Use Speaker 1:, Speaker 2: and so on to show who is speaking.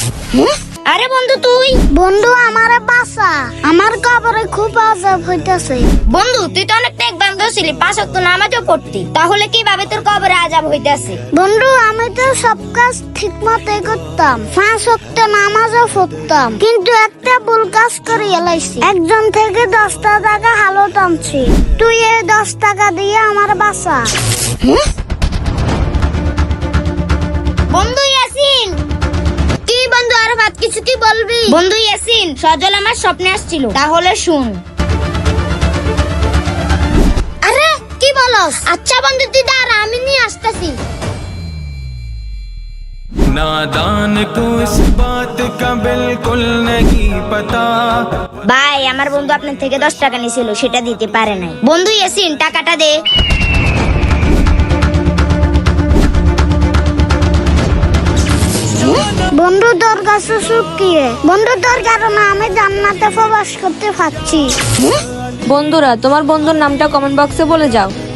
Speaker 1: আরে বন্ধু তুই?
Speaker 2: বন্ধু আমারে বাঁচা, আমার কবরে খুব আযাব হইতাছে।
Speaker 1: বন্ধু তুই তো অনেক ত্যাগ বান্ধব ছিলি, 5 ওয়াক্ত নামাজও পড়তি, তাহলে কিভাবে তোর কবরে আযাব হইতাছে?
Speaker 2: বন্ধু আমি তো সব কাজ ঠিক মতো করতাম, 5 ওয়াক্ত নামাজও পড়তাম, কিন্তু একটা ভুল কাজ করে এলাইছি। একজন থেকে 10টা টাকা হালত আনছি, তুই এই 10 টাকা দিয়ে আমার বাঁচা।
Speaker 1: বন্ধু ইয়াসিন।
Speaker 2: কি বন্ধু আরাফাত, কিছু কি বলবি?
Speaker 1: বন্ধু ইয়াসিন, সজল আমার স্বপ্নে আসছিল, তাহলে শুন।
Speaker 2: আরে কি বলস? আচ্ছা বন্ধু তুই দাঁড়া, আমি নিয়ে আসতেছি।
Speaker 3: नादान को इस बात का बिल्कुल नहीं पता।
Speaker 1: ভাই আমার বন্ধু আপনার থেকে 10 টাকা নিছিল, সেটা দিতে পারে নাই। বন্ধু ইয়াসিন টাকাটা দে।
Speaker 2: বন্ধু তোর কাছে শুকিয়ে, বন্ধু তোর কারণে আমি জান্নাতে প্রবেশ করতে পারছি।
Speaker 4: বন্ধুরা, তোমার বন্ধুর নামটা কমেন্ট বক্সে বলে যাও।